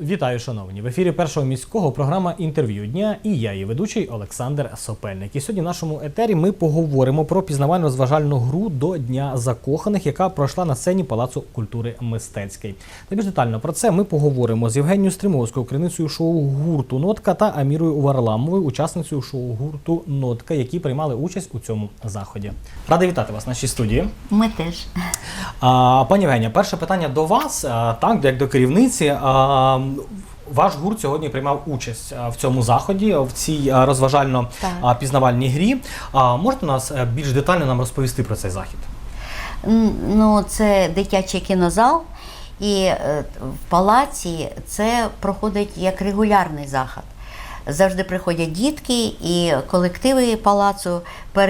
Вітаю, шановні! В ефірі Першого міського програма «Інтерв'ю дня» і я, її ведучий Олександр Сопельник. І сьогодні в нашому етері ми поговоримо про пізнавально-розважальну гру до Дня закоханих, яка пройшла на сцені Палацу культури Мистецький. Найбільш детально про це ми поговоримо з Євгенією Стримовською, керівницею шоу-гурту «Нотка» та Амірою Варламовою, учасницею шоу-гурту «Нотка», які приймали участь у цьому заході. Радий вітати вас в нашій студії. Ми теж. Пані Євгенія, перше питання до вас, так, як до керівниці. Ваш гурт сьогодні приймав участь в цьому заході, в цій розважально-пізнавальній грі. Можете нас більш детально нам розповісти про цей захід? Ну, це дитячий кінозал, і в палаці це проходить як регулярний захід. Завжди приходять дітки і колективи палацу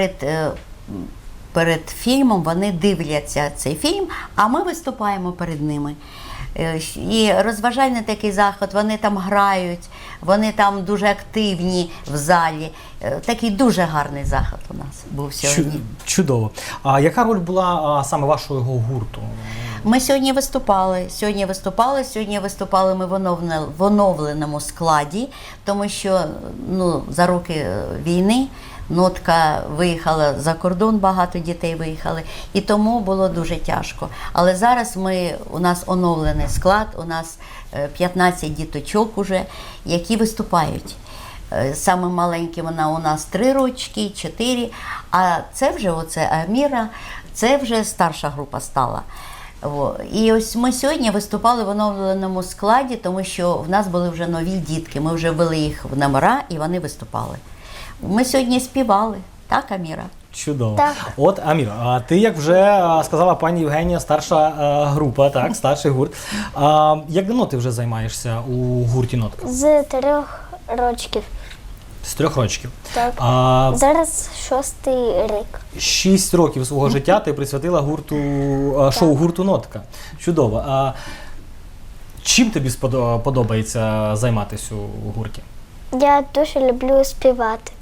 перед фільмом, вони дивляться цей фільм, а ми виступаємо перед ними. І розважальний такий захід, вони там грають, вони там дуже активні в залі. Такий дуже гарний захід у нас був сьогодні. Чудово. А яка роль була саме вашого гурту? Ми сьогодні виступали. Сьогодні виступали ми в оновленому складі, тому що за роки війни Нотка виїхала за кордон, багато дітей виїхали, і тому було дуже тяжко. Але зараз у нас оновлений склад, у нас 15 діточок уже, які виступають. Саме маленькі вона у нас 3 рочки, 4, а це вже Аміра, це вже старша група стала. І ось ми сьогодні виступали в оновленому складі, тому що в нас були вже нові дітки, ми вже ввели їх в номера і вони виступали. Ми сьогодні співали, так, Аміра? Чудово. Так. От, Аміра, а ти, як вже сказала пані Євгенія, старша група, так, старший гурт. Як давно ти вже займаєшся у гурті «Нотка»? З 3 років. З 3 років. Так. Зараз 6-й рік. 6 років свого життя ти присвятила шоу гурту «Нотка». Чудово. Чим тобі подобається займатися у гурті? Я дуже люблю співати.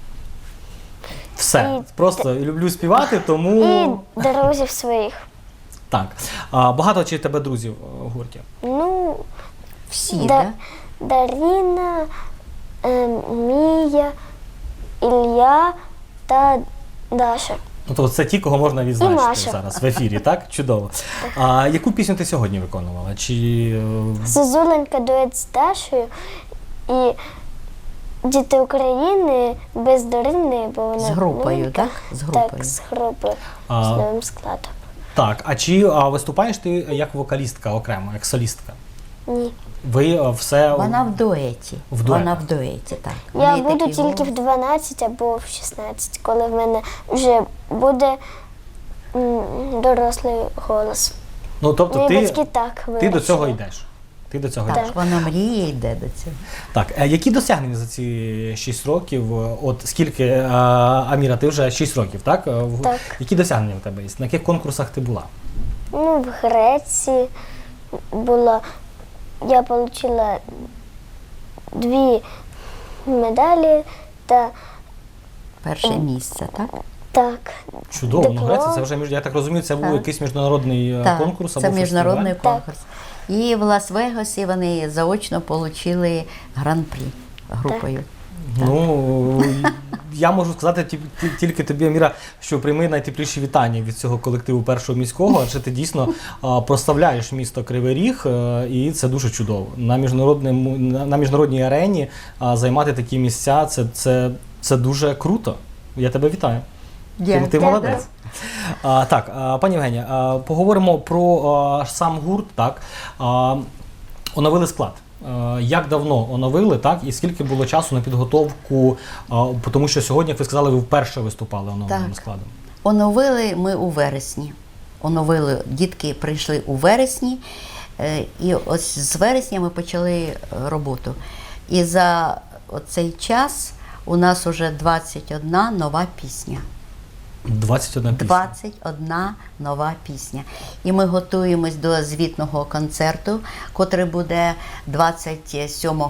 Все. Просто люблю співати, тому... І друзів своїх. Так. Багато чи тебе друзів у гурті? Ну, всі, так? Даріна, Мія, Ілля та Даша. Ну, то це ті, кого можна відзначити зараз в ефірі, так? Чудово. Яку пісню ти сьогодні виконувала? Зозуленька дует з Дашою і Діти України без Дарини, бо вона з групою, так? З групою. Так, з групою, з новим складом. Так, а чи виступаєш ти як вокалістка окремо, як солістка? Ні. Вона в дуеті. Вона в дуеті, так. Я буду тільки в 12 або в 16, коли в мене вже буде дорослий голос. Ну, тобто мої батьки так вирішили. Ти до цього йдеш? Ти до цього йдеш? Вона мріє, йде до цього. Так, які досягнення за ці 6 років? От скільки, Аміра, ти вже 6 років, так? Так. Які досягнення в тебе є? На яких конкурсах ти була? Ну, в Греції була. Я отримала 2 медалі та... Перше місце, так? Так. Чудово. Ну, Греція, це вже, я так розумію, це був якийсь міжнародний конкурс або це міжнародний фестиваль? конкурс. І в Лас-Вегасі вони заочно отримали гран-прі групою. Так. Ну, я можу сказати тільки тобі, Аміра, що прийми найтепліші вітання від цього колективу Першого міського, адже ти дійсно прославляєш місто Кривий Ріг, і це дуже чудово. На міжнародній арені займати такі місця, це дуже круто. Я тебе вітаю. Ти молодець. Так, пані Євгенія, поговоримо про сам гурт. Так. Оновили склад. Як давно оновили, так, і скільки було часу на підготовку, тому що сьогодні, як ви сказали, ви вперше виступали оновленим складом? Оновили ми у вересні. Дітки прийшли у вересні, і ось з вересня ми почали роботу. І за цей час у нас вже 21 нова пісня. 21 пісня? 21 нова пісня. І ми готуємось до звітного концерту, котрий буде 27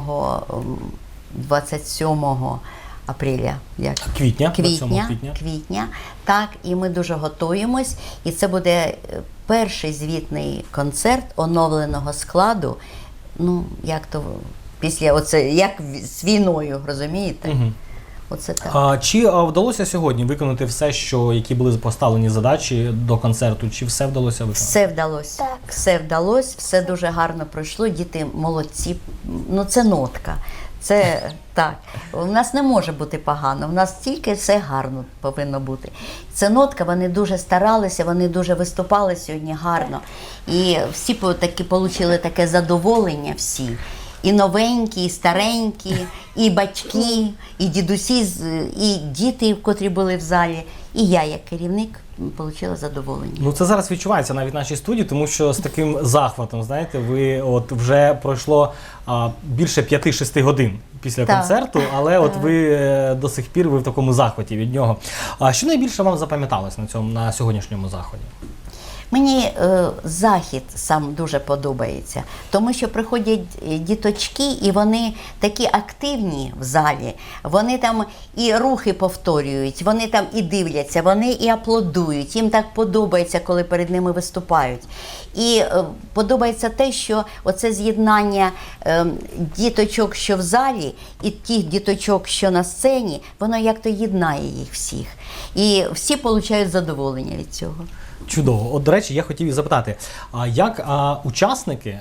апреля. Квітня. Так, і ми дуже готуємось. І це буде перший звітний концерт оновленого складу ну, як то, після оце, як з війною, розумієте? Мгм. Оце так. Чи вдалося сьогодні виконати все, які були поставлені задачі до концерту? Чи все вдалося виконати? Все вдалося. Так. Все вдалося, все дуже гарно пройшло. Діти молодці. Ну, це нотка. Це так. У нас не може бути погано. У нас тільки все гарно повинно бути. Це нотка, вони дуже старалися, вони дуже виступали сьогодні гарно. І всі таки отримали таке задоволення всі. І новенькі, і старенькі, і батьки, і дідусі, і діти, котрі були в залі. І я, як керівник, отримала задоволення. Ну це зараз відчувається навіть в нашій студії, тому що з таким захватом, знаєте, ви от вже пройшло більше 5-6 годин після Так. концерту, але от ви до сих пір ви в такому захваті від нього. А що найбільше вам запам'яталось на сьогоднішньому заході? Мені захід сам дуже подобається, тому що приходять діточки, і вони такі активні в залі, вони там і рухи повторюють, вони там і дивляться, вони і аплодують, їм так подобається, коли перед ними виступають. І подобається те, що оце з'єднання діточок, що в залі, і тих діточок, що на сцені, воно як-то єднає їх всіх. І всі отримують задоволення від цього. Чудово. От, до речі, я хотів і запитати, як учасники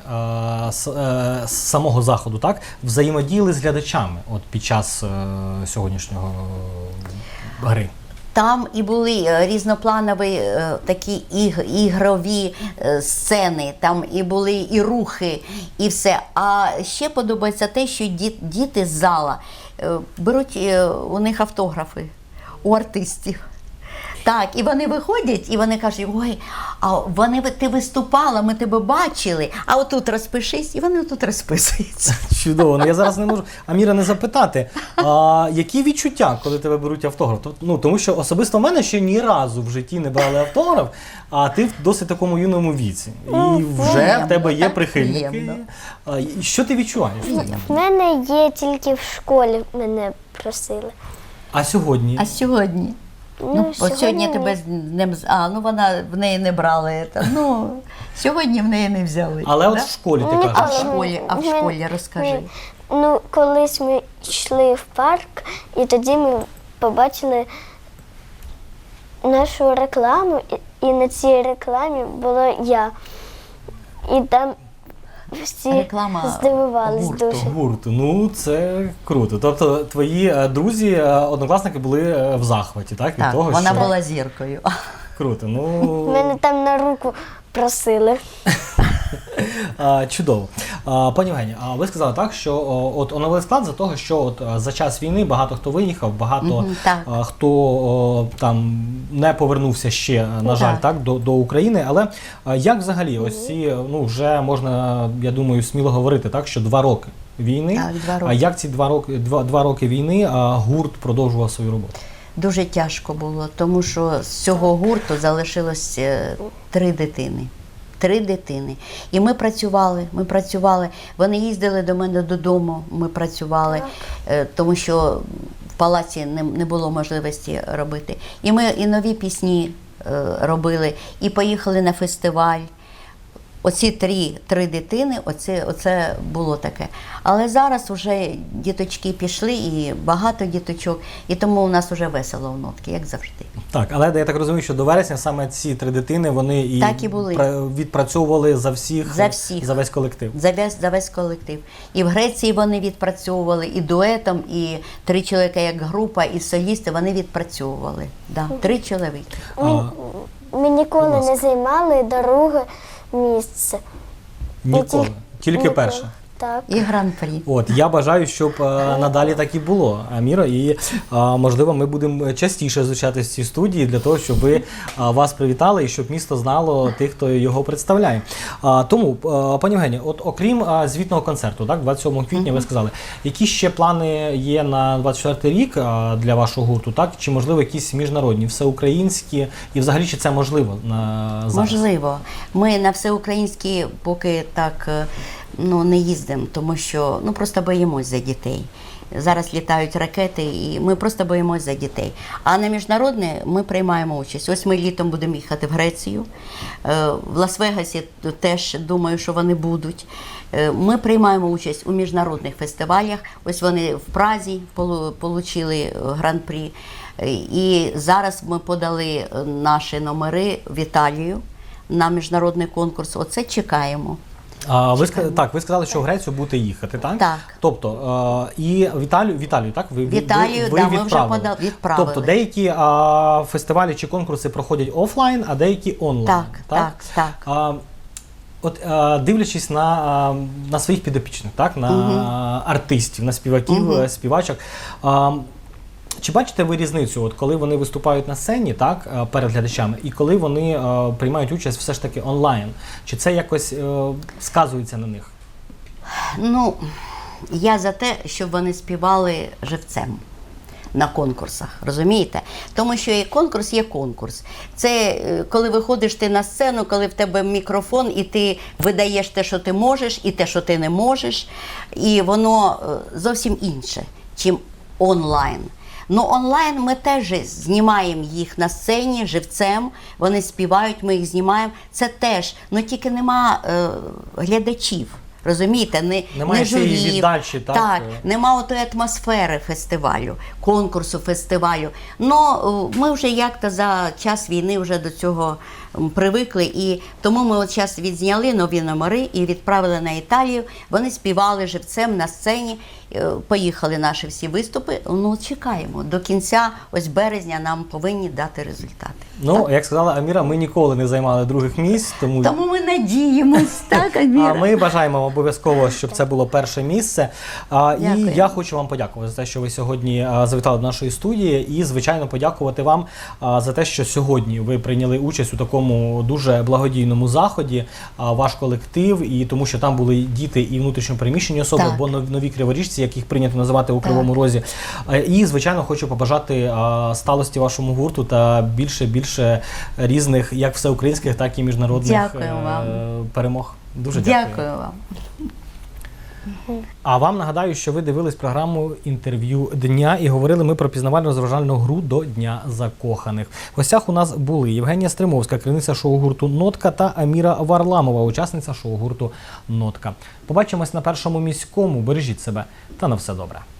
з самого заходу так взаємодіяли з глядачами от під час сьогоднішнього гри? Там і були різнопланові такі ігрові сцени, там і були і рухи, і все. А ще подобається те, що діти з зала беруть у них автографи, у артистів. Так, і вони виходять, і вони кажуть, ой, ти виступала, ми тебе бачили, а отут розпишись, і вони тут розписуються. Чудово. Ну я зараз не можу Аміра не запитати, які відчуття, коли тебе беруть автограф? Ну, тому що особисто в мене ще ні разу в житті не брали автограф, а ти в досить такому юному віці. І вже в тебе є так прихильники. приємно. І що ти відчуваєш? В мене є тільки в школі, мене просили. А сьогодні? А сьогодні? Ну, от сьогодні тебе з ним, в неї не брали. Ну, сьогодні в неї не взяли. Але от да? в школі ти Ні, кажеш. А в але школі розкажи. Ну, колись ми йшли в парк, і тоді ми побачили нашу рекламу, і на цій рекламі була я. І там всі Реклама здивувались гурту. дуже. Гурту. Ну, це круто. Тобто твої друзі, однокласники були в захваті, так? Від Так, того, вона що... була зіркою. Круто. Ну, Мене там на руку просили. чудово. Пані Євгенія, ви сказали так, що от оновили склад за того, що от за час війни багато хто виїхав, багато так. хто там не повернувся ще, на жаль, так, до України. Але як взагалі ось ці, ну вже можна, я думаю, сміло говорити, так, що 2 роки війни. Так, 2 роки. А як ці 2 роки війни гурт продовжував свою роботу? Дуже тяжко було, тому що з цього гурту залишилось 3 дитини. 3 дитини. І ми працювали. Вони їздили до мене додому, ми працювали, тому що в палаці не було можливості робити. І ми і нові пісні робили, і поїхали на фестиваль. Оці 3 дитини, оце було таке. Але зараз вже діточки пішли, і багато діточок, і тому у нас вже весело в нотки, як завжди. Так, але я так розумію, що до вересня саме ці 3 дитини, вони Так і були. Відпрацьовували за всіх, За весь колектив. За весь колектив. І в Греції вони відпрацьовували, і дуетом, і 3 чоловіка як група, і солісти, вони відпрацьовували. Да, 3 чоловіки. Ми ніколи Будь ласка. не займали друге місце. Ніколи. Тільки Ніколи. перше. Так. І гран-прі. От, я бажаю, щоб надалі так і було, Аміра, і можливо ми будемо частіше зустрічатися в цій студії для того, щоб ви вас привітали і щоб місто знало тих, хто його представляє. Тому, пані Євгенія, от окрім звітного концерту, так, 27 квітня ви сказали, які ще плани є на 24 рік для вашого гурту, так? Чи можливо якісь міжнародні, всеукраїнські, і взагалі чи це можливо на зараз? Можливо. Ми на всеукраїнські поки так не їздимо, тому що просто боїмось за дітей. Зараз літають ракети, і ми просто боїмось за дітей. А на міжнародне ми приймаємо участь. Ось ми літом будемо їхати в Грецію. В Лас-Вегасі теж думаю, що вони будуть. Ми приймаємо участь у міжнародних фестивалях. Ось вони в Празі отримали гран-прі. І зараз ми подали наші номери в Італію на міжнародний конкурс. Оце чекаємо. Ви сказали, що в Грецію будете їхати, так? Так. Тобто, і в Італію, так? В Італію, ви ми вже відправили. Тобто, деякі фестивалі чи конкурси проходять офлайн, а деякі онлайн. Так. Дивлячись на своїх підопічних, так? На артистів, на співаків, співачок, чи бачите ви різницю, коли вони виступають на сцені, так, перед глядачами, і коли вони приймають участь все ж таки онлайн? Чи це якось сказується на них? Я за те, щоб вони співали живцем на конкурсах, розумієте? Тому що конкурс є конкурс. Це коли виходиш ти на сцену, коли в тебе мікрофон, і ти видаєш те, що ти можеш, і те, що ти не можеш, і воно зовсім інше, чим онлайн. Онлайн ми теж знімаємо їх на сцені живцем, вони співають, ми їх знімаємо. Це теж, тільки нема глядачів. Розумієте, немає цієї віддачі, так? Так, нема отої атмосфери фестивалю, конкурсу фестивалю. Ми вже як-то за час війни вже до цього привикли, і тому ми зараз відзняли нові номери і відправили на Італію. Вони співали живцем на сцені, поїхали наші всі виступи. Чекаємо. До кінця, ось березня, нам повинні дати результати. Як сказала Аміра, ми ніколи не займали других місць, тому ми надіємось, так, Аміра? А ми бажаємо обов'язково, щоб це було перше місце. І я хочу вам подякувати за те, що ви сьогодні завітали до нашої студії, і, звичайно, подякувати вам за те, що сьогодні ви прийняли участь у такому дуже благодійному заході, ваш колектив, і тому що там були діти і внутрішньо переміщені особи, Так. або нові криворіжці, яких прийнято називати у Кривому Розі. І, звичайно, хочу побажати сталості вашому гурту та більше різних, як всеукраїнських, так і міжнародних перемог. Дуже дякую. Дякую вам. А вам нагадаю, що ви дивились програму «Інтерв'ю дня» і говорили ми про пізнавально-розважальну гру до Дня закоханих. В гостях у нас були Євгенія Стримовська, керівниця шоу-гурту «Нотка», та Аміра Варламова, учасниця шоу-гурту «Нотка». Побачимось на Першому міському. Бережіть себе та на все добре.